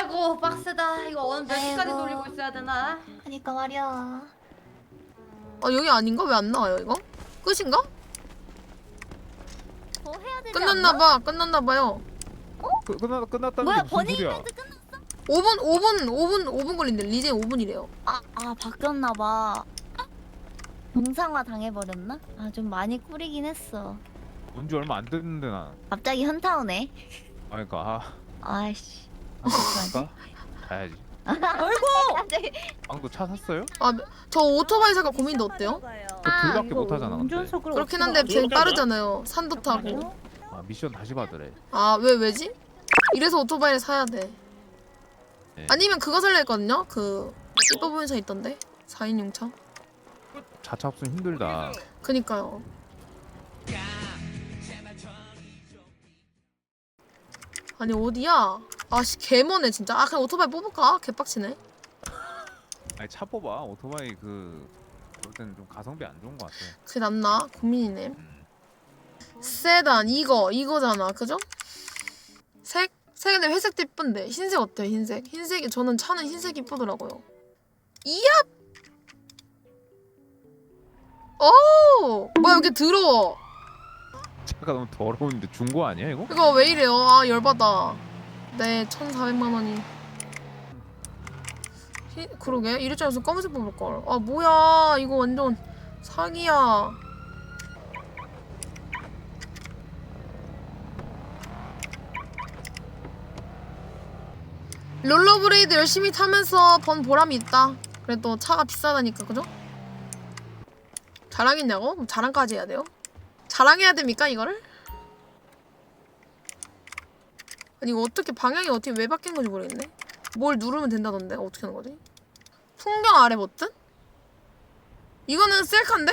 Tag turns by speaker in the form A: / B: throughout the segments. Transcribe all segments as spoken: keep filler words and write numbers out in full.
A: 아이고 빡세다. 이거 오늘 몇 시까지
B: 아이고.
A: 돌리고 있어야 되나?
B: 그니까 말이야.
C: 아 여기 아닌가? 왜 안 나와요 이거? 끝인가?
B: 뭐 해야 되지?
C: 끝났나봐 끝났나봐요.
D: 그, 끝나, 끝났다는
B: 뭐야,
D: 게 무슨
B: 버닝
D: 소리야?
B: 이벤트 끝났어?
C: 오 분 오 분 오 분 오 분 걸린대. 리젠 오 분이래요.
B: 아, 아 바뀌었나봐. 동상화 당해버렸나? 아 좀 많이 꾸리긴 했어.
D: 온 지 얼마 안 됐는데 나.
B: 갑자기 현타 오네.
D: 아 그러니까
B: 아이씨.
D: 아, 갈까? 가야지.
B: 갑자기.
D: 방도 차 샀어요?
C: 아 저 오토바이 살까 고민인데 어때요?
D: 그 둘밖에 못 하잖아. 근데.
C: 그렇긴 한데 제일 빠르잖아요. 산도 타고.
D: 아 미션 다시 받으래.
C: 아 왜 왜지? 이래서 오토바이를 사야 돼.
D: 네.
C: 아니면 그거 살려 했거든요. 그 이뻐 보이는 차 있던데. 사 인용 차.
D: 자차 없으면 힘들다.
C: 그니까요. 아니 어디야? 아씨 개머네 진짜. 아 그냥 오토바이 뽑을까? 개빡치네.
D: 아니 차 뽑아. 오토바이 그 그럴 때는 좀 가성비 안 좋은 것 같아.
C: 그게 낫나? 고민이네.
D: 음.
C: 세단 이거 이거잖아 그죠? 색? 색인데 회색도 이쁜데 흰색 어때요 흰색? 흰색이 저는 차는 흰색이 이쁘더라고요. 이야! 오! 뭐야 이렇게 더러워.
D: 차가 너무 더러운데 중고 아니야 이거?
C: 이거 왜 이래요? 아 열받아. 네 천사백만 원이. 히, 그러게 이럴 줄 알았으면 검은색 뽑을걸. 아 뭐야 이거 완전 사기야. 롤러브레이드 열심히 타면서 번 보람이 있다. 그래도 차가 비싸다니까 그죠? 자랑했냐고? 그럼 자랑까지 해야 돼요? 자랑해야 됩니까 이거를? 아니 이거 어떻게 방향이 어떻게 왜 바뀐 건지 모르겠네. 뭘 누르면 된다던데 어떻게 하는 거지? 풍경 아래 버튼? 이거는 셀카인데?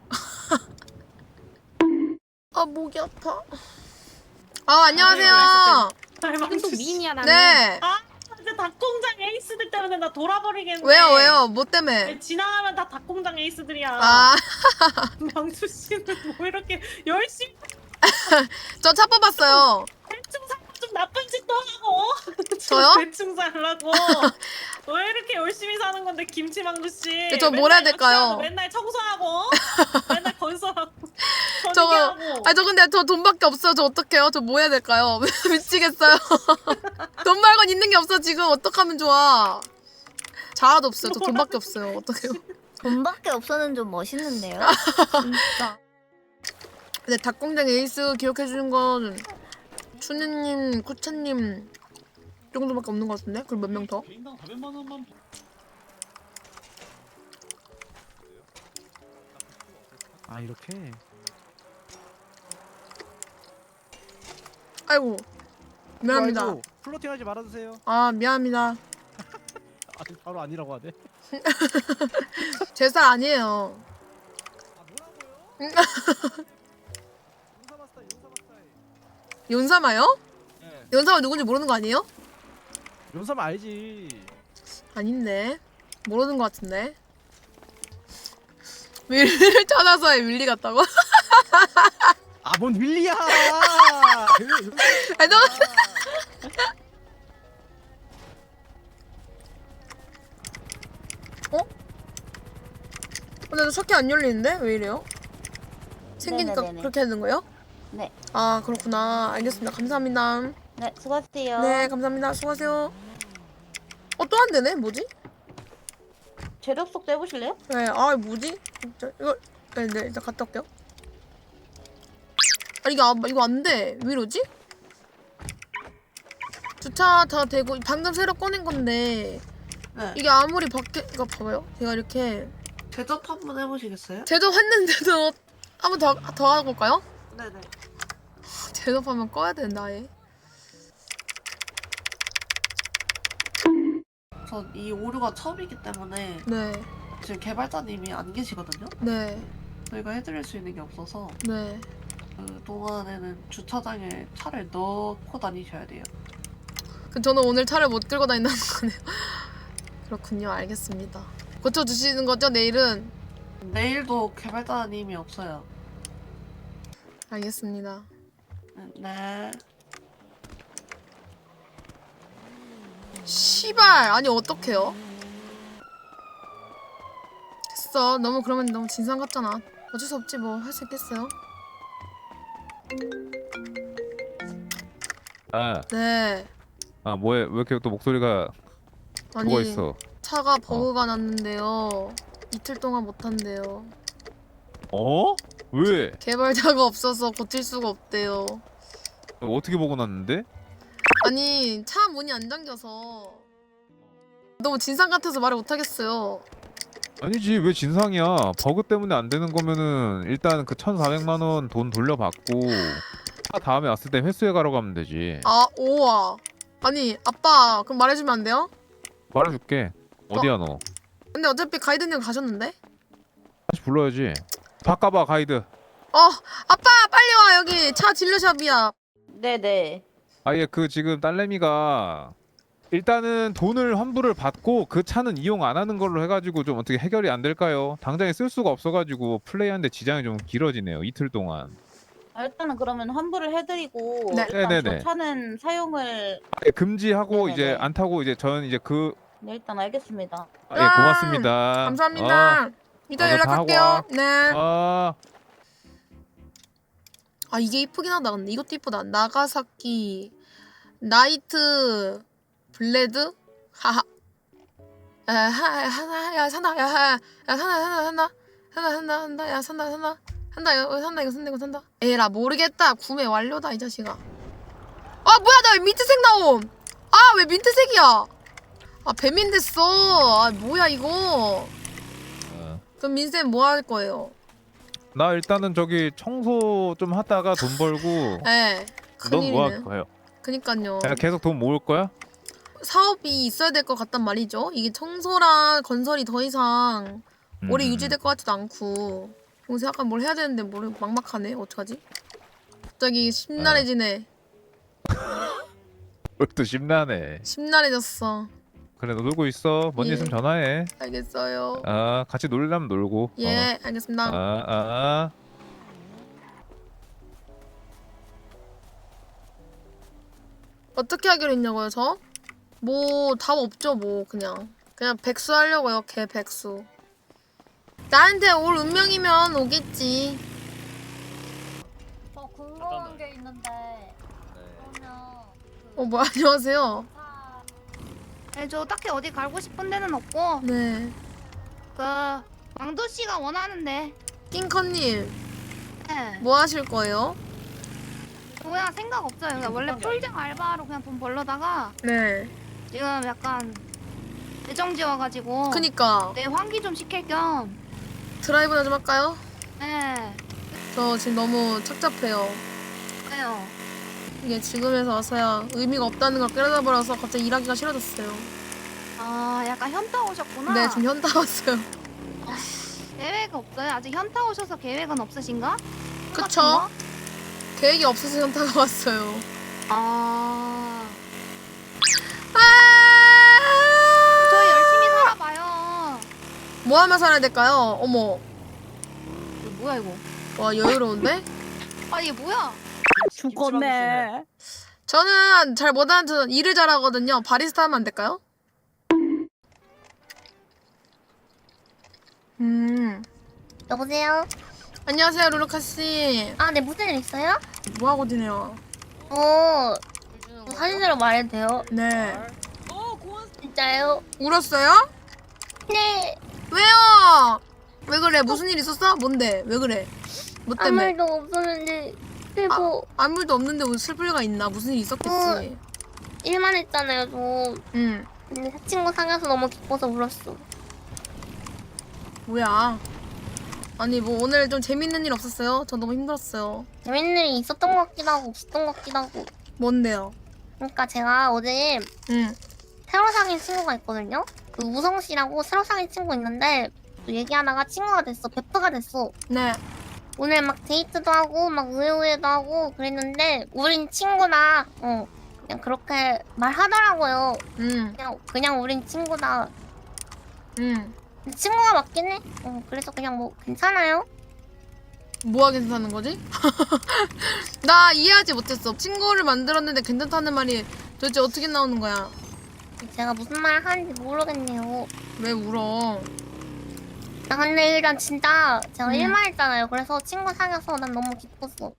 C: 아 목이 아파. 아 안녕하세요.
E: 지금 또 미인이야 나는.
C: 네.
E: 아 이제 닭공장 에이스들 때문에 나 돌아버리겠네.
C: 왜요 왜요? 뭐 때문에?
E: 지나가면 다 닭공장 에이스들이야.
C: 아
E: 명수 씨는 뭐 이렇게 열심히
C: 저 차 뽑았어요.
E: 대충 살고 좀 나쁜 짓도 하고.
C: 저요?
E: 대충 살라고. 왜 이렇게 열심히 사는 건데 김치망두 씨.
C: 네, 저 뭘 해야
E: 맨날
C: 될까요?
E: 여치하고 맨날 청소하고. 맨날 건설하고.
C: 저거
E: 전기하고.
C: 아니 저 근데 저 돈밖에 없어요. 저 어떡해요? 저 뭐 해야 될까요? 미치겠어요. 돈 말곤 있는 게 없어 지금. 어떡하면 좋아. 자아도 없어요. 저 돈밖에 없어요. 어떡해요?
B: 돈밖에 없어는 좀 멋있는데요. 진짜.
C: 근데 닭공장 에이스 기억해주는 건 춘우님, 쿠차님 정도밖에 없는 것 같은데? 그리고 몇 명 더?
D: 아 이렇게.
C: 아이고 미안합니다.
F: 아이고, 플로팅하지 말아주세요.
C: 아 미안합니다.
F: 아, 바로 아니라고 하네.
C: 제 살 아니에요.
F: 아 뭐라고요? 용사마스터, 용사마스터.
C: 연사마요?
F: 네.
C: 연사마 누군지 모르는 거 아니에요?
F: 용사마 알지.
C: 아닌데 모르는 것 같은데. 윌리를 찾아서 해. 윌리 같다고?
F: 아 뭔 윌리야?
C: 아니 너 어? 근데 저 석기 안 열리는데? 왜 이래요? 생기니까
B: 네네네네.
C: 그렇게 하는 거예요?
B: 네.
C: 아 그렇구나. 알겠습니다. 감사합니다.
B: 네 수고하세요.
C: 네 감사합니다. 수고하세요. 어 또 안 되네? 뭐지?
B: 재력 속도 해보실래요?
C: 네, 아 뭐지? 진짜 이거 네, 네 일단 갔다 올게요. 아 이거 안, 이거 안 돼. 왜 이러지? 주차 다 되고 방금 새로 꺼낸 건데
G: 네.
C: 이게 아무리 밖에 이거 봐봐요. 제가 이렇게
G: 제접 한번 해보시겠어요?
C: 제접했는데도 한 번 더 더 하고 올까요?
G: 네네.
C: 제접하면 꺼야 되는데 아예.
G: 전 이 오류가 처음이기 때문에
C: 네,
G: 지금 개발자님이 안 계시거든요?
C: 네,
G: 저희가 해드릴 수 있는 게 없어서
C: 네.
G: 그 동안에는 주차장에 차를 넣고 다니셔야 돼요.
C: 그 저는 오늘 차를 못 끌고 다닌다는 거네요. 그렇군요. 알겠습니다. 고쳐주시는 거죠 내일은?
G: 내일도 개발자님이 없어요.
C: 알겠습니다.
G: 네.
C: 씨발 아니 어떡해요? 됐어. 너무 그러면 너무 진상 같잖아. 어쩔 수 없지 뭐. 할 수 있겠어요?
D: 아,
C: 네.
D: 아 뭐해? 왜 이렇게 또 목소리가
C: 아니
D: 죽어 있어?
C: 차가 버그가 났는데요. 이틀 동안 못 한대요.
D: 어? 왜?
C: 개발자가 없어서 고칠 수가 없대요.
D: 어떻게 보고 났는데?
C: 아니 차 문이 안 잠겨서 너무 진상 같아서 말을 못 하겠어요.
D: 아니지 왜 진상이야? 버그 때문에 안 되는 거면은 일단 그 천사백만 원 돈 돌려받고 차 다음에 왔을 때 회수해 가러 가면 되지.
C: 아 오와. 아니 아빠 그럼 말해주면 안 돼요?
D: 말해줄게. 어디야 너?
C: 근데 어차피 가이드님 가셨는데?
D: 다시 불러야지. 바꿔봐 가이드.
C: 어 아빠 빨리 와 여기 차 진료샵이야.
A: 네네.
D: 아예 그 지금 딸내미가 일단은 돈을 환불을 받고 그 차는 이용 안 하는 걸로 해가지고 좀 어떻게 해결이 안 될까요? 당장에 쓸 수가 없어가지고 플레이하는데 지장이 좀 길어지네요. 이틀 동안.
A: 아, 일단은 그러면 환불을 해드리고
C: 네.
A: 일단
D: 네네네.
A: 저 차는 사용을
D: 아예 금지하고
A: 네네네.
D: 이제 안 타고 이제 저는 이제 그
A: 네, 일단 알겠습니다.
D: 아, 예 고맙습니다.
C: 감사합니다. 이따
D: 어, 너
C: 연락할게요.
D: 다
C: 네.
D: 아,
C: 아 이게 이쁘긴 하다. 근데 이것도 이쁘다. 나가사키 나이트 블레드 하하. 야 하나 야 산다 야 야 산다 산다 산다 산다 산다 산다 야 산다 산다 산다 이거 산다 이거 산다 이거 산다. 에라 모르겠다. 구매 완료다 이 자식아. 아 뭐야 나 왜 민트색 나옴. 아 왜 민트색이야. 아 배민 됐어. 아 뭐야 이거.
D: 어.
C: 그럼 민쌤 뭐 할 거예요?
D: 나 일단은 저기 청소 좀 하다가 돈 벌고
C: 에
D: 넌 뭐 할
C: 큰일이네.
D: 거예요?
C: 그니까요.
D: 그냥 계속 돈 모을 거야?
C: 사업이 있어야 될 것 같단 말이죠. 이게 청소랑 건설이 더 이상 오래
D: 음.
C: 유지될 것 같지도 않고 그래서 약간 뭘 해야 되는데 뭘 막막하네. 어떡하지? 갑자기 심란해지네.
D: 또 심란해.
C: 심란해졌어.
D: 그래 너 놀고 있어. 뭔 일
C: 예.
D: 있으면 전화해.
C: 알겠어요.
D: 아 같이 놀려면 놀고.
C: 예
D: 어.
C: 알겠습니다.
D: 아, 아.
C: 어떻게 하기로 했냐고요 저? 뭐 답 없죠 뭐 그냥 그냥 백수 하려고요. 개 백수. 나한테 올 운명이면 오겠지.
B: 저 궁금한 게 있는데 그러면
C: 어 뭐 안녕하세요.
H: 네, 저 딱히 어디 가고 싶은 데는 없고
C: 네.
H: 그 왕도 씨가 원하는데
C: 킹커님
H: 네.
C: 뭐 하실 거예요?
H: 저 그냥 생각 없어요. 그냥 원래 폴장 알바로 그냥 돈 벌러다가
C: 네.
H: 지금 약간 애정지 와가지고
C: 그니까
H: 내 환기 좀 시킬 겸
C: 드라이브나 좀 할까요?
H: 네.
C: 저 지금 너무 착잡해요.
H: 그래요.
C: 이게 지금에서 와서야 의미가 없다는 걸 깨달아버려서 갑자기 일하기가 싫어졌어요.
H: 아 약간 현타 오셨구나.
C: 네, 지금 현타 왔어요.
H: 계획 없어요? 아직 현타 오셔서 계획은 없으신가?
C: 그쵸?
H: 똑같은 거?
C: 계획이 없어서 현타가 왔어요.
H: 아
C: 아!
H: 저희 열심히 살아봐요.
C: 뭐 하면 살아야 될까요? 어머,
H: 이거 뭐야 이거?
C: 와 여유로운데?
H: 아 이게 뭐야?
A: 죽었네.
C: 저는 잘 못하는 저는 일을 잘하거든요. 바리스타 하면 안 될까요? 음,
B: 여보세요?
C: 안녕하세요 루루카 씨.
B: 아, 네, 무슨 일 있어요?
C: 뭐 하고 지내요?
B: 어, 사실대로 말해도 돼요?
C: 네.
B: 진짜요?
C: 울었어요?
B: 네,
C: 왜요? 왜 그래? 무슨 일 있었어? 뭔데? 왜 그래? 뭐
B: 아무
C: 때문에?
B: 일도 없었는데 슬퍼.
C: 아무 일도 없는데 뭐 슬플 리가 있나? 무슨 일 있었겠지.
B: 일만 했잖아요, 저.
C: 응.
B: 근데 친구 사귀어서 너무 기뻐서 울었어.
C: 뭐야? 아니 뭐 오늘 좀 재밌는 일 없었어요? 저 너무 힘들었어요.
B: 재밌는 일이 있었던 것 같기도 하고 없었던 것 같기도 하고.
C: 뭔데요?
B: 그러니까 제가 어제
C: 응.
B: 새로 사귄 친구가 있거든요? 그 우성 씨라고 새로 사귄 친구 있는데 또 얘기하다가 친구가 됐어. 베프가 됐어.
C: 네.
B: 오늘 막 데이트도 하고 막 우회우회도 하고 그랬는데 우린 친구다. 어. 그냥 그렇게 말하더라고요.
C: 응.
B: 그냥 그냥 우린 친구다.
C: 응.
B: 근데 친구가 맞긴 해. 어, 그래서 그냥 뭐 괜찮아요.
C: 뭐가 괜찮은 거지? 나 이해하지 못했어. 친구를 만들었는데 괜찮다는 말이 도대체 어떻게 나오는 거야?
B: 제가 무슨 말 하는지 모르겠네요.
C: 왜 울어?
B: 아, 근데 일단 진짜 제가
C: 음.
B: 일만 했잖아요. 그래서 친구 사귀어서 난 너무 기뻤어.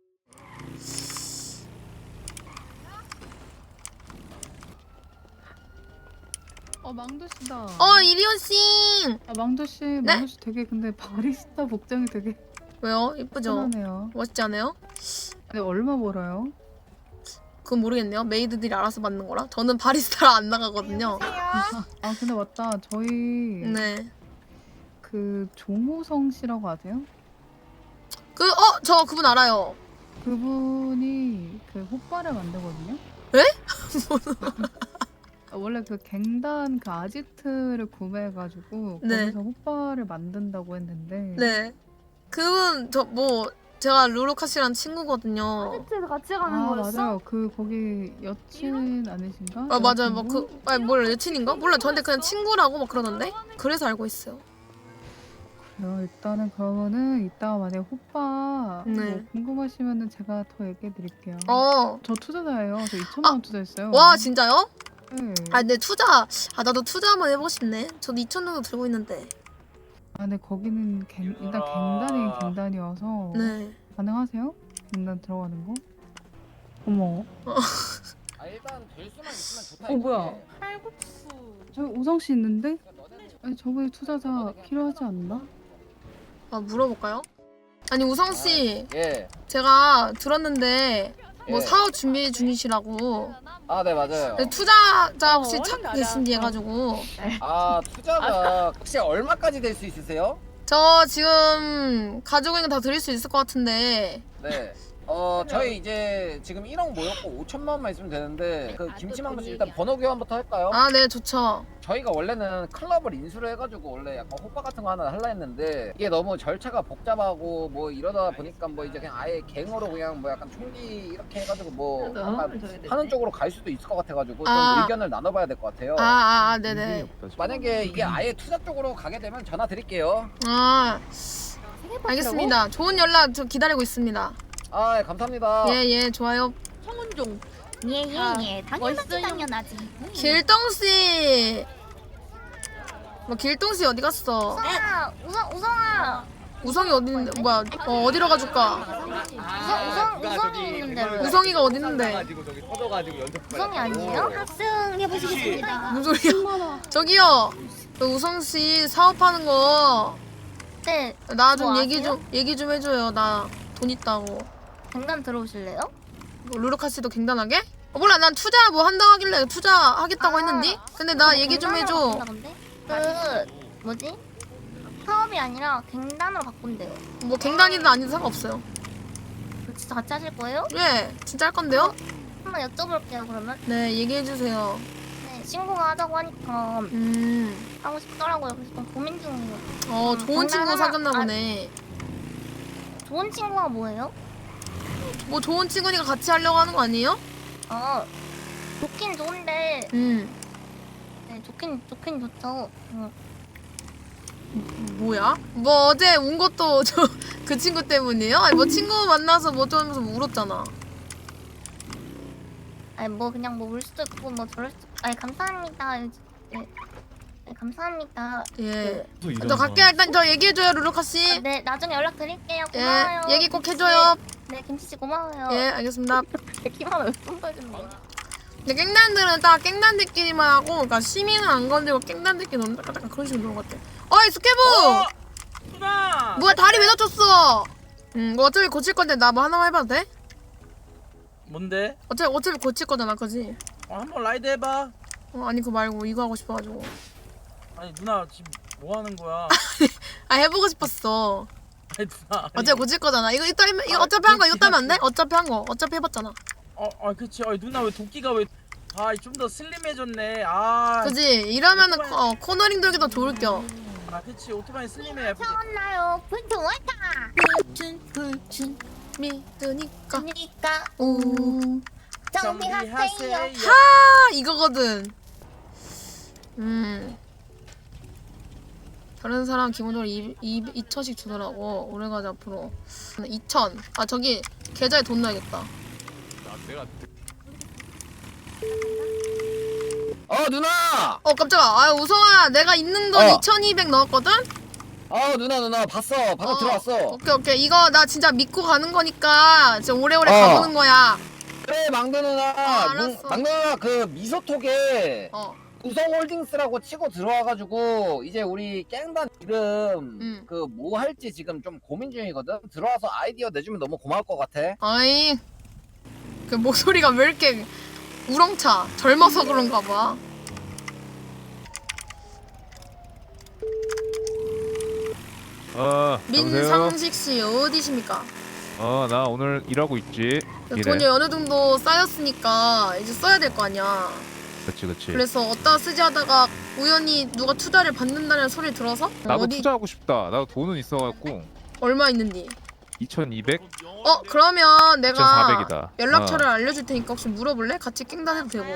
I: 어 망도씨다.
C: 어 이리온 씨.
I: 아 망도씨,
C: 네?
I: 망도씨 되게 근데 바리스타 복장이 되게
C: 왜요? 이쁘죠?
I: 편하네요.
C: 멋있지 않아요?
I: 근데 얼마 벌어요?
C: 그건 모르겠네요. 메이드들이 알아서 받는 거라. 저는 바리스타라 안 나가거든요.
I: 아 근데 맞다. 저희
C: 네.
I: 그 종호성 씨라고 아세요?
C: 그 어 저 그분 알아요.
I: 그분이 그 호빠를 만들거든요.
C: 에?
I: 아, 원래 그 갱단 그 아지트를 구매해가지고
C: 네.
I: 거기서 호빠를 만든다고 했는데
C: 네. 그분 저 뭐 제가 루루카 씨랑 친구거든요.
H: 아지트에서 같이
I: 아
H: 가는 거였어?
I: 맞아요. 그 거기 여친 아니신가?
C: 아 맞아요.
I: 여자친구?
C: 뭐그 아니 뭘 여친인가? 몰라. 저한테 그냥 친구라고 막 그러던데. 그래서 알고 있어요.
I: 그래요. 일단은 그러면은 이따가 만약에 호빠
C: 네.
I: 뭐 궁금하시면은 제가 더 얘기해 드릴게요.
C: 어.
I: 저 투자자예요. 저 이천만 원 투자했어요.
C: 와 진짜요?
I: 네.
C: 아 근데 투자 아 나도 투자 한번 해보고 싶네. 저도 이천 정도 들고 있는데.
I: 아 근데 거기는 갱, 일단 갱단이 갱단이어서
C: 네.
I: 가능하세요? 갱단 들어가는 거? 어머.
J: 아 일단 될 수만 있으면 좋다.
I: 어, 뭐야?
J: 이거지.
E: 칼국수.
I: 저 우성 씨 있는데? 아니 저번에 투자자 필요하지 않나?
C: 아 물어볼까요? 아니 우성 씨
J: 예.
C: 제가 들었는데 뭐
J: 예.
C: 사업 준비 중이시라고.
J: 아 네 맞아요.
C: 근데 투자자 혹시
E: 어,
C: 찾고
E: 어렵다.
C: 계신지 해가지고.
J: 아 투자가 혹시 얼마까지 될 수 있으세요?
C: 저 지금 가지고 있는 거 다 드릴 수 있을 것 같은데.
J: 네. 어 저희 이제 지금 일억 모였고 오천만 원만 있으면 되는데 그 김치망도 씨 일단 번호 교환부터 할까요?
C: 아 네 좋죠.
J: 저희가 원래는 클럽을 인수를 해가지고 원래 약간 호빠 같은 거 하나 하려 했는데 이게 너무 절차가 복잡하고 뭐 이러다 보니까 뭐 이제 그냥 아예 갱으로 그냥 뭐 약간 총기 이렇게 해가지고 뭐 약간 하는 쪽으로 갈 수도 있을 것 같아가지고 좀
C: 아.
J: 의견을 나눠봐야 될 것 같아요.
C: 아아 아, 네네.
J: 만약에 이게 아예 투자 쪽으로 가게 되면 전화 드릴게요.
C: 아 알겠습니다. 좋은 연락 저 기다리고 있습니다.
J: 아 예, 감사합니다.
C: 예예 좋아요.
A: 청운종.
B: 예예예. 당연하지 당연하지.
C: 길동 씨. 뭐 길동 씨 어디 갔어?
B: 우성아, 우성 우성아.
C: 우성이 어디 있는데 뭐야? 어 어디로 가줄까?
B: 우성 우성 우성이 있는데 왜?
C: 우성이가 어디 있는데?
B: 우성이 아니에요? 합승 해보시겠습니다.
C: 무슨 소리야? 저기요. 그 우성 씨 사업하는 거 나
B: 네.
C: 좀
B: 뭐
C: 얘기
B: 아세요?
C: 좀 얘기 좀 해줘요. 나 돈 있다고.
B: 갱단 들어오실래요?
C: 뭐 루루카 씨도 갱단하게? 어, 몰라 난 투자 뭐 한다고 하길래 투자하겠다고
B: 아.
C: 했는데. 근데 나 얘기 좀 해줘.
B: 갱단으로 바꾼다, 근데? 그 뭐지? 사업이 아니라 갱단으로 바꾼대요.
C: 뭐 갱단이든 아니든 상관없어요.
B: 그 진짜 같이 하실 거예요?
C: 예, 진짜 할 건데요?
B: 한번 여쭤볼게요 그러면.
C: 네, 얘기해 주세요.
B: 네, 친구가 하자고 하니까
C: 음,
B: 하고 싶더라고요. 그래서 좀 고민 중이에요.
C: 어
B: 음,
C: 좋은 친구
B: 장난
C: 사귀었나
B: 하나-
C: 보네.
B: 좋은 친구가 뭐예요?
C: 뭐 좋은 친구니까 같이 하려고 하는 거 아니에요?
B: 어, 좋긴 좋은데,
C: 음,
B: 네, 좋긴 좋긴 좋죠. 응.
C: 뭐야? 뭐 어제 운 것도 저 그 친구 때문이에요? 아니 뭐 친구 만나서 뭐 어쩌면서 뭐 울었잖아.
B: 아니 뭐 그냥 뭐 울 수도 있고 뭐 저럴 수도. 아니 감사합니다. 네, 네 감사합니다.
C: 예. 저 갈게요. 일단 저 얘기해줘요, 루루카 씨.
B: 아, 네 나중에 연락 드릴게요.
C: 예,
B: 고마워요.
C: 얘기 꼭 해줘요.
B: 네 김치씨 고마워요.
C: 예, 알겠습니다.
B: 기만 왜좀 봐줬네.
C: 근데 깽단들은 딱 깽단들끼리만 하고, 그러니까 시민은 안 건들고 깽단들끼리 노는 약간 그런 식으로 노는 것 같아. 어이 스케브!
E: 누나.
C: 뭐야 다리 왜 다쳤어? 음, 뭐 어차피 고칠 건데 나 뭐 하나만 해봐도 돼?
F: 뭔데?
C: 어차피 어차피 고칠 거잖아, 그지?
F: 어, 한번 라이드 해봐.
C: 어, 아니 그거 말고 이거 하고 싶어가지고.
F: 아니 누나 지금 뭐 하는 거야?
C: 아 해보고 싶었어.
F: 아니 누나. 아니,
C: 어차피 고칠 거잖아. 이거 이따 하면- 이거 어차피 한 거 이거 따면 안 돼? 어차피 한 거. 어차피 해봤잖아.
F: 어, 아 그치. 아 누나 왜 도끼가 왜? 아 좀 더 슬림해졌네. 아.
C: 그지? 이러면은 코- 어, 코너링 돌기도 좋을 겸.
F: 아 그치. 오토바이 슬림해 예쁘지.
B: 나요 분투 왔다.
C: 불춘 불춘 믿으니까.
B: 그러니까
C: 오.
B: 정비하세요.
C: 아 이거거든. 음. 다른 사람 기본적으로 이 이천씩 주더라고. 오래가지 앞으로. 이천. 아 저기 계좌에 돈 넣어야겠다.
J: 어 누나.
C: 어 깜짝아. 아 우성아 내가 있는 돈
J: 어.
C: 이천이백 넣었거든?
J: 어 누나 누나 봤어. 방금
C: 어.
J: 들어왔어.
C: 오케이 오케이 이거 나 진짜 믿고 가는 거니까 진짜 오래오래
J: 어.
C: 가보는 거야.
J: 그래 망두 누나.
C: 어, 알았어.
J: 뭉- 망두 누나 그 미소톡에
C: 어.
J: 우성홀딩스라고 치고 들어와가지고 이제 우리 깽단 이름
C: 음.
J: 그 뭐 할지 지금 좀 고민 중이거든. 들어와서 아이디어 내주면 너무 고마울 것 같아.
C: 아이 그 목소리가 왜 이렇게 우렁차? 젊어서 그런가 봐.
D: 어 여보세요?
C: 민상식 씨 어디십니까?
D: 어나 오늘 일하고 있지. 일해.
C: 돈이 어느 정도 쌓였으니까 이제 써야 될 거 아니야.
D: 그치 그치.
C: 그래서 어디다 쓰지 하다가 우연히 누가 투자를 받는다는 소리 들어서
D: 나도
C: 어디
D: 투자하고 싶다. 나도 돈은 있어갖고
C: 얼마 있는지.
D: 이천이백,
C: 어 그러면 내가
D: 이천사백이다.
C: 연락처를 알려줄 테니까 혹시 물어볼래? 같이 깽단해도 되고.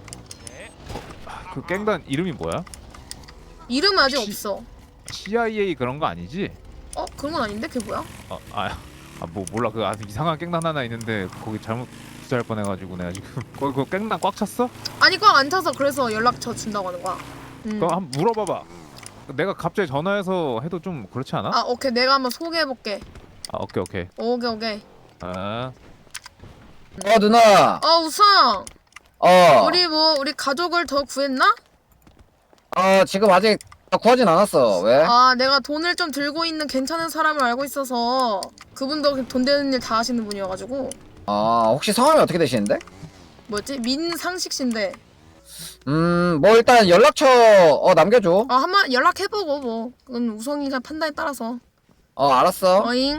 D: 그 깽단 이름이 뭐야?
C: 이름은 아직
D: 혹시-
C: 없어.
D: 씨아이에이 그런 거 아니지?
C: 어 그런 건 아닌데 그게 뭐야?
D: 어, 아, 아, 뭐 몰라. 그 아주 이상한 깽단 하나 있는데 거기 잘못 투자할 뻔해가지고 내가 지금 거기 그 깽단 꽉 찼어?
C: 아니 꽉 안 차서 그래서 연락처 준다고 하는 거야. 음.
D: 그럼 한번 물어봐봐. 내가 갑자기 전화해서 해도 좀 그렇지 않아?
C: 아 오케이 내가 한번 소개해볼게.
D: 아 오케이 오케이.
C: 오케이 오케이.
D: 아
J: 어 누나.
C: 어 우성
J: 어.
C: 우리 뭐 우리 가족을 더 구했나?
J: 어 지금 아직 구하진 않았어. 왜?
C: 아 내가 돈을 좀 들고 있는 괜찮은 사람을 알고 있어서 그분도 돈 되는 일 다 하시는 분이어가지고.
J: 아 혹시 성함이 어떻게 되시는데?
C: 뭐였지? 민상식 씨인데.
J: 음 뭐 일단 연락처 어 남겨줘.
C: 아 한번 연락해보고 뭐 그건 우성이가 판단에 따라서.
J: 어 알았어.
C: 어잉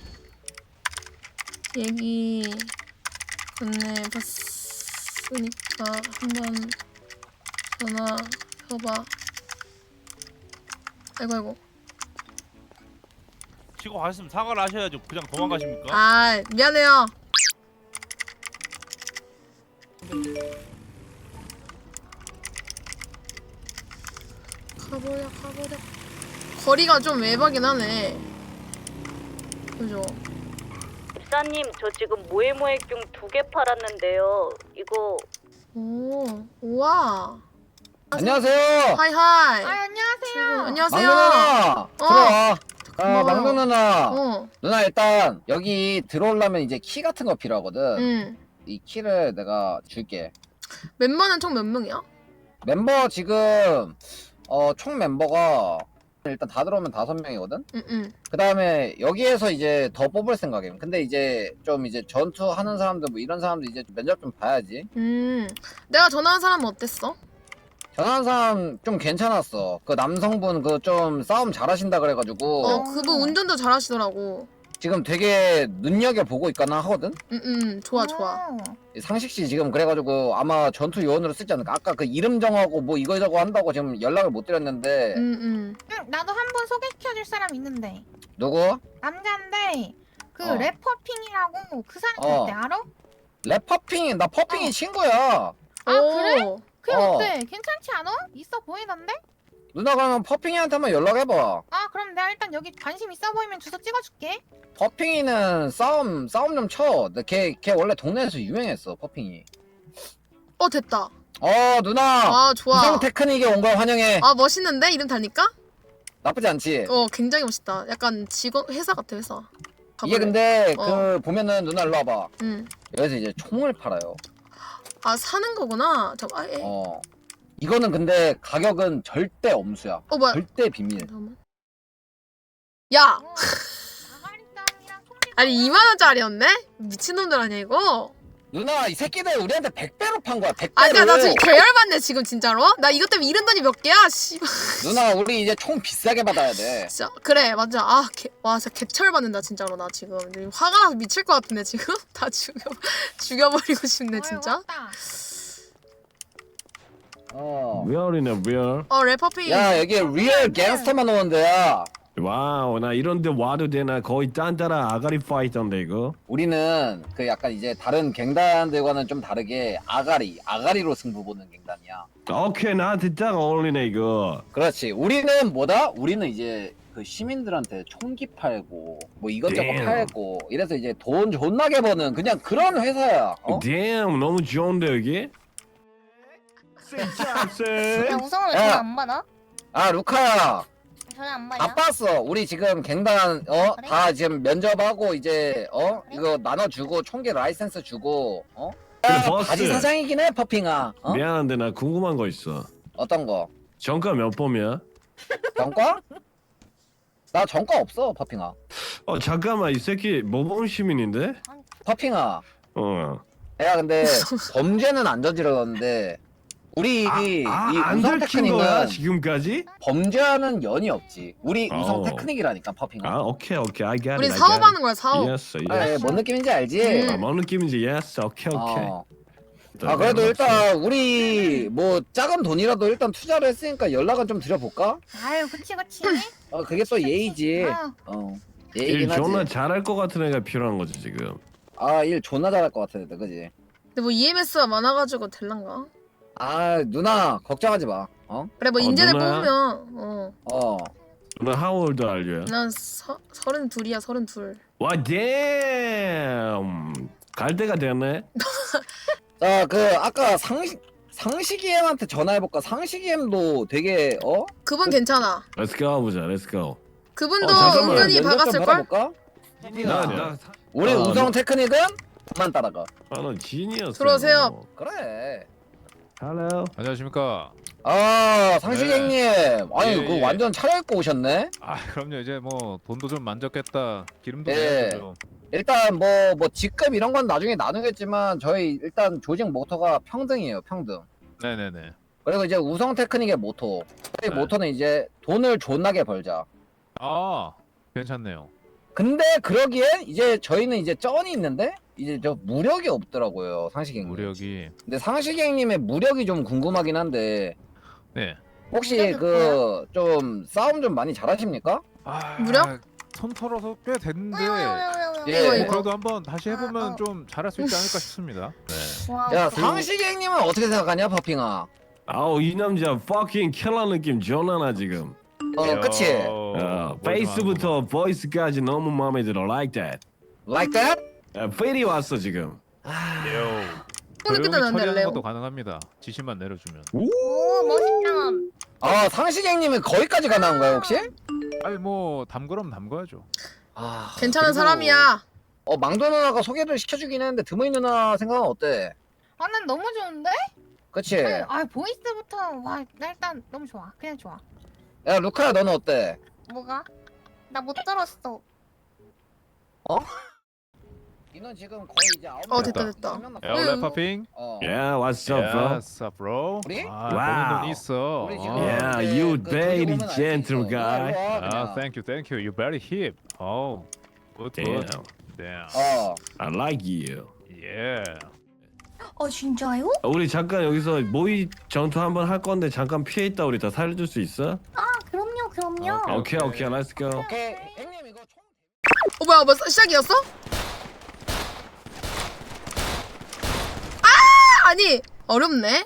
C: 얘기 건네봤으니까 한번 전화해봐. 아이고 아이고.
K: 치고 가셨으면 사과를 하셔야죠. 그냥 도망가십니까?
C: 아 미안해요. 가보자 가보자. 거리가 좀 외박이긴 하네. 그죠?
A: 집사님 저 지금 모에모에경 두 개 팔았는데요. 이거
C: 오 우와.
J: 안녕하세요.
C: 하이 하이.
H: 아 안녕하세요.
C: 안녕하세요.
J: 망두 누나. 들어와. 아
C: 고마워.
J: 망두 누나.
C: 어.
J: 누나 일단 여기 들어오려면 이제 키 같은 거 필요하거든.
C: 응.
J: 이 키를 내가 줄게.
C: 멤버는 총 몇 명이야?
J: 멤버 지금 어 총 멤버가 일단 다 들어오면 다섯 명이거든.
C: 응응.
J: 그 다음에 여기에서 이제 더 뽑을 생각이에요. 근데 이제 좀 이제 전투하는 사람들 뭐 이런 사람들 이제 면접 좀 봐야지.
C: 음. 내가 전화한 사람은 어땠어?
J: 전화한 사람 좀 괜찮았어. 그 남성분 그 좀 싸움 잘하신다 그래가지고
C: 어 그분 운전도 잘하시더라고.
J: 지금 되게 눈여겨 보고 있거나 하거든.
C: 응응 좋아 좋아.
J: 상식 씨 지금 그래가지고 아마 전투 요원으로 쓰지 않을까. 아까 그 이름 정하고 뭐 이거 저거 한다고 지금 연락을 못 드렸는데
C: 응응.
H: 응, 나도 한 번 소개시켜줄 사람 있는데
J: 누구?
H: 남자인데 그
J: 어.
H: 래퍼핑이라고 그 사람
J: 어.
H: 어때 알아?
J: 랩퍼핑 나 퍼핑이
H: 어.
J: 친구야.
H: 아 그래? 그게
J: 어.
H: 어. 때 괜찮지 않아? 있어 보이던데?
J: 누나 그러면 퍼핑이한테 한번 연락해봐.
H: 아 그럼 내가 일단 여기 관심 있어 보이면 주소 찍어줄게.
J: 퍼핑이는 싸움 싸움 좀 쳐. 걔, 걔 원래 동네에서 유명했어 퍼핑이.
C: 어 됐다.
J: 어 누나.
C: 아 좋아.
J: 우성 테크닉에 온 거 환영해.
C: 아 멋있는데 이름 달니까?
J: 나쁘지 않지.
C: 어 굉장히 멋있다. 약간 직원 회사 같아 회사.
J: 이게
C: 가볼래?
J: 근데
C: 어.
J: 그 보면은 누나 일로 와봐.
C: 응.
J: 여기서 이제 총을 팔아요.
C: 아 사는 거구나. 잠깐. 아, 에. 어.
J: 어. 이거는 근데 가격은 절대 엄수야.
C: 어 뭐야?
J: 절대 비밀.
C: 잠깐만. 야.
H: 어. 아가리땀이랑 총리.
C: 아니 이만 원짜리였네? 미친놈들 아니야 이거?
J: 누나 이 새끼들 우리한테 백 배로 판 거야. 백 배로.
C: 아 그니까 나 지금 계열받네 지금 진짜로? 나 이것 때문에 잃은 돈이 몇 개야? 씨발.
J: 누나 우리 이제 총 비싸게 받아야 돼.
C: 진짜 그래 맞아. 아 개, 와 진짜 개철 받는다 진짜로 나 지금 화가 나서 미칠 것 같은데 지금 다 죽여 죽여버리고 싶네 진짜.
J: 어.
L: 리얼이네 리얼.
C: 어 래퍼핑.
J: 야 여기 리얼 갱스터만 오는 데야.
L: 와우 나 이런데 와도 되나. 거의 딴따라 아가리 파이터인데 이거.
J: 우리는 그 약간 이제 다른 갱단들과는 좀 다르게 아가리 아가리로 승부 보는 갱단이야.
L: 오케이 나한테 딱 어울리네 이거.
J: 그렇지. 우리는 뭐다? 우리는 이제 그 시민들한테 총기 팔고 뭐 이것저것
L: Damn.
J: 팔고 이래서 이제 돈 존나게 버는 그냥 그런 회사야. 어?
L: Damn 너무 좋은데 여기.
B: 야 우성은 왜
J: 야.
B: 전화 안 받아?
J: 아 루카야.
B: 전화 안 받냐?
J: 바빴어. 우리 지금 갱단 어?
B: 그래?
J: 다 지금 면접하고 이제 어?
B: 그래?
J: 이거 나눠주고 총기 라이센스 주고 어?
L: 근데
J: 야,
L: 버스.
J: 바지 사장이긴 해 퍼핑아. 어?
L: 미안한데 나 궁금한 거 있어.
J: 어떤 거?
L: 정가 몇 범이야?
J: 전과? 나 전과 없어 퍼핑아.
L: 어 잠깐만 이 새끼 모범 시민인데?
J: 퍼핑아.
L: 어.
J: 야 근데 범죄는 안 저질렀는데 우리 이
L: 아안
J: 우성
L: 들킨 거야
J: 테크닉은
L: 지금까지?
J: 범죄하는 연이 없지. 우리 우성
L: 어.
J: 테크닉이라니까 퍼핑아.
L: 아 오케이 오케이 I get it.
C: 우리
L: I get
C: 사업하는 거야 사업.
L: it. Yes,
J: 아,
L: yes.
J: 예, 뭔 느낌인지 알지?
C: 음.
L: 아, 뭔 느낌인지 yes 오케이 오케이.
J: 어. 아 그래도 일단 우리 뭐 작은 돈이라도 일단 투자를 했으니까 연락은 좀 드려볼까?
H: 아유 그치 그치.
J: 어 그게 또 예의지.
H: 아유.
J: 어
L: 일
J: 예의긴
L: 존나
J: 하지.
L: 잘할 것 같은 애가 필요한 거지 지금.
J: 아 일 존나 잘할 것 같은데 그지?
C: 근데 뭐 이엠에스가 많아가지고 될란가?
J: 아 누나 걱정하지 마. 어?
C: 그래 뭐
L: 어,
C: 인재들
L: 누나야?
C: 뽑으면 어.
J: 어.
L: 너 how old are you?
C: 난 서, 서른 둘이야 서른 둘.
L: 와 damn. 갈 때가 됐네.
J: 자 그 아까 상식 상식이 엠한테 전화해볼까? 상식이 엠도 되게 어?
C: 그분 괜찮아.
L: Let's go 보자. Let's go.
C: 그분도
L: 어, 잠깐만.
C: 은근히
J: 면접 좀
C: 박았을 걸.
J: 받아볼까?
L: 나나
J: 우리
L: 아,
J: 우성
L: 너-
J: 테크닉은 그만 따라가.
L: 아너 진이었어.
C: 들어오세요.
J: 그래.
L: Hello.
D: 안녕하십니까.
J: 아 상식이
D: 네.
J: 형님, 아니
D: 예,
J: 그
D: 예.
J: 완전 차려입고 오셨네.
D: 아 그럼요. 이제 뭐 돈도 좀 만졌겠다. 기름도
J: 예.
D: 내야죠.
J: 일단 뭐 뭐 직급 이런 건 나중에 나누겠지만 저희 일단 조직 모토가 평등이에요, 평등.
D: 네네네.
J: 그리고 이제 우성 테크닉의 모토. 저희
D: 네.
J: 모토는 이제 돈을 존나게 벌자.
D: 아 괜찮네요.
J: 근데 그러기엔 이제 저희는 이제 쩐이 있는데 이제 저 무력이 없더라고요, 상식이 형님.
D: 무력이.
J: 근데 상식이 형님의 무력이 좀 궁금하긴 한데
D: 네.
J: 혹시
B: 무력이
J: 그 좀 싸움 좀 많이 잘하십니까?
D: 아,
C: 무력?
D: 손 털어서 꽤 됐는데.
B: 왜요 왜요 왜요 왜요?
J: 예.
C: 이거,
D: 뭐
C: 이거.
D: 그래도 한번 다시 해보면
B: 아, 어.
D: 좀 잘할 수 있지 않을까 싶습니다. 네.
B: 와.
J: 야 상식이 형님은 어떻게 생각하냐, 퍼핑아?
L: 아우 이 남자 fucking 킬러 느낌 존나나 지금.
J: 어 그치?
L: 어, 페이스부터 보이스까지 너무 마음에 들어. Like that.
J: Like that?
L: 야, 필이 왔어 지금.
C: 오늘
D: 조용히
C: 끝나면 안
D: 처리하는
C: 될래요?
D: 것도 가능합니다. 지시만 내려주면.
B: 오 멋있다.
J: 아 상식이 형님은 거기까지 가능한 거야 혹시?
D: 아니 뭐 담그럼 담가야죠.
J: 아
C: 괜찮은
J: 그리고-
C: 사람이야.
J: 어 망도 누나가 소개를 시켜주긴 했는데 드모이 누나 생각은 어때?
H: 아 난 너무 좋은데?
J: 그치?
H: 아 보이스부터 와 나 일단 너무 좋아. 그냥 좋아.
J: 야 루카야 너는 어때?
B: 뭐가? 나 못 들었어.
J: 이는 지금 거의 이제 아홉
C: 어,
J: 명
C: 됐다,
J: 남았어.
C: 됐다.
J: 한명 남았어.
D: 야 원래 파핑.
J: 어.
L: Yeah, what's up, bro?
D: What's up, bro?
J: 우리?
D: 아,
L: 와우.
D: 버는 돈 있어.
J: 우리 지금
D: 어.
L: Yeah,
J: 이제
L: you
J: 그
L: very
J: 조직 오면 알수
L: gentle
J: 있어.
L: guy.
J: 일로 와,
D: 아,
J: 그냥.
D: thank you, thank you. You very hip. Oh, good, good.
L: Damn,
D: Damn.
J: 어.
L: I like you.
D: Yeah.
B: 어 진짜요?
L: 어, 우리 잠깐 여기서 모의 전투 한번 할 건데 잠깐 피해 있다 우리 다 살려줄 수 있어?
B: 아 그럼요 그럼요.
D: 아,
L: 오케이 오케이, let's go.
J: 오케이 형님 이거 총.
C: 어 뭐야 뭐 시작이었어? 아 아니 어렵네.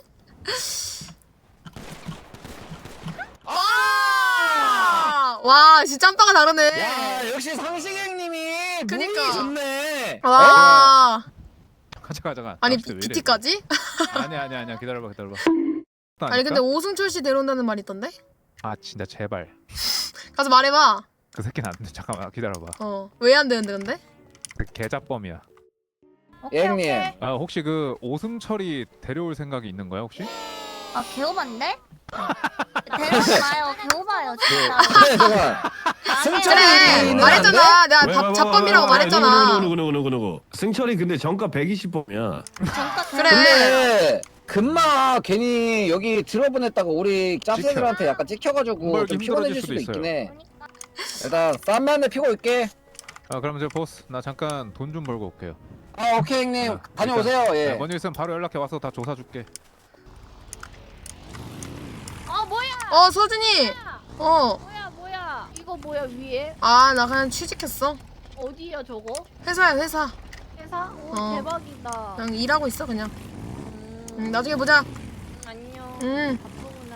C: 아! 와 진짜 짬바가 다르네.
J: 야 역시 상식 형님이
C: 그니까.
J: 무이 좋네.
C: 와
D: 가자, 가자, 가.
C: 아니
D: 갑시다, 왜 이래?
C: 비티까지?
D: 아니, 아니, 아니야. 기다려봐, 기다려봐.
C: 아니 근데 오승철 씨 데려온다는 말이 있던데?
D: 아 진짜 제발.
C: 가서 말해봐.
D: 그 새끼는 안 돼. 잠깐만 기다려봐.
C: 어 왜 안 되는데 근데?
D: 그 계좌범이야.
J: 예, 형님.
D: 아 혹시 그 오승철이 데려올 생각이 있는 거야 혹시?
B: 아 개오반데? 데려오지 마요. 개오바요 진짜.
J: 그래 잠깐. 승철이
C: 그래
J: 있는
C: 말했잖아. 내가
L: 왜,
C: 밥
L: 왜, 왜,
C: 잡범이라고
L: 왜, 왜,
C: 말했잖아.
L: 누구 누구 누구 누구 누구 승철이 근데 정가 백이십 범이야.
B: 잠깐
C: 그래.
J: 근데 금마 괜히 여기 들어보냈다고 우리 짭새들한테 약간 찍혀가지고
D: 벌기
J: 좀 피곤해질
D: 힘들어질
J: 수도
D: 수도
J: 있긴
D: 있어요.
J: 해. 일단 쌈만에 피고 올게.
D: 아 그럼 이제 보스 나 잠깐 돈 좀 벌고 올게요.
J: 아 오케이 형님
D: 아,
J: 다녀오세요. 예.
D: 네, 뭔일 있으면 바로 연락해 와서 다 조사 줄게.
H: 아 뭐야?
C: 어 서준이. 어.
H: 뭐야 뭐야? 이거 뭐야 위에?
C: 아 나 그냥 취직했어.
H: 어디야 저거?
C: 회사야 회사.
H: 회사? 오
C: 어.
H: 대박이다.
C: 그냥 일하고 있어 그냥.
H: 음,
C: 응, 나중에 보자.
H: 안녕.
C: 응.
H: 바쁘구나.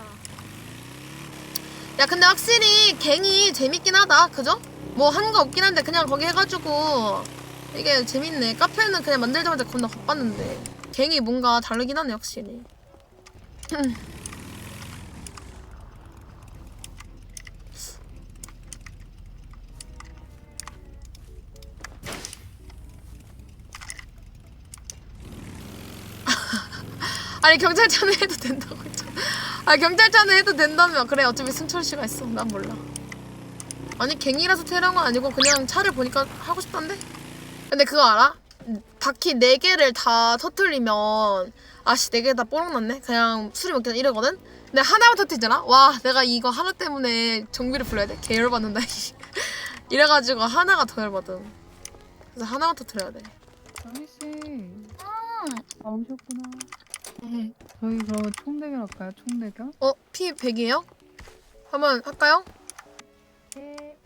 C: 야 근데 확실히 갱이 재밌긴 하다. 그죠? 뭐 하는 거 없긴 한데 그냥 거기 해가지고 이게 재밌네. 카페는 그냥 만들자마자 겁나 바빴는데 갱이 뭔가 다르긴 하네 확실히. 아니 경찰차는 해도 된다고 했잖아. 아니 경찰차는 해도 된다며. 그래 어차피 승철 씨가 있어. 난 몰라. 아니 갱이라서 테러한 건 아니고 그냥 차를 보니까 하고 싶던데? 근데 그거 알아? 바퀴 네 개를 다 터트리면 아씨 네 개 다 뽀록 났네? 그냥 술이 먹기는 이러거든? 근데 하나만 터트리잖아? 와 내가 이거 하나 때문에 정비를 불러야 돼? 개 열받는다. 이래가지고 하나가 더 열받음. 그래서 하나만 터트려야 돼.
I: 아미씨. 아 오셨구나. 저희 그럼 총대결 할까요? 총대결?
C: 어? 피 백이에요? 한번 할까요?
I: 네.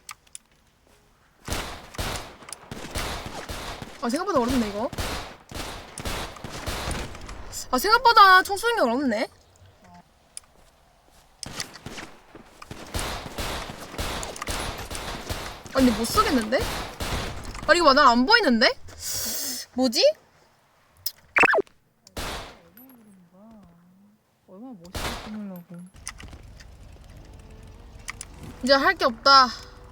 C: 아 생각보다 어렵네 이거. 아 생각보다 총 쏘는 게 어렵네. 아니 근데 못 쏘겠는데? 아니 이거 난 안 보이는데? 뭐지?
I: 얼마나 멋있게 찍으려고.
C: 이제 할 게 없다.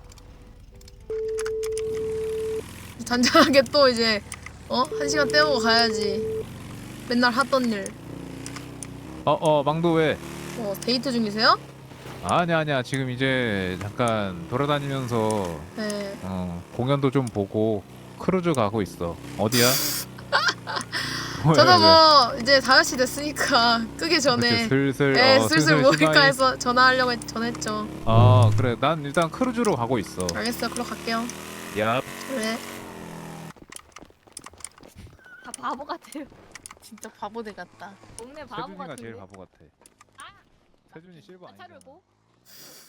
C: 잔잔하게 또 이제 어? 한 시간 때우고 가야지. 맨날 하던 일.
D: 어어 망도 왜?
C: 어 데이트 중이세요?
D: 아니야 아니야 지금 이제 잠깐 돌아다니면서
C: 네.
D: 어, 공연도 좀 보고 크루즈 가고 있어. 어디야? 왜,
C: 저도
D: 왜?
C: 뭐 이제 다섯 시 됐으니까 끄기 전에
D: 그치, 슬슬
C: 네,
D: 어,
C: 슬슬 모일까
D: 시간이-
C: 해서 전화하려고 했, 전했죠.
D: 아 그래 난 일단 크루즈로 가고 있어.
C: 알겠어요. 그럼 갈게요.
D: 야
C: 네.
A: 다 바보 같아요.
C: 진짜 바보들 같다.
A: 동네 바보
D: 세준이가
A: 같은데.
D: 제일 바보 같아. 세준이 실버 아니야.
A: 차려고?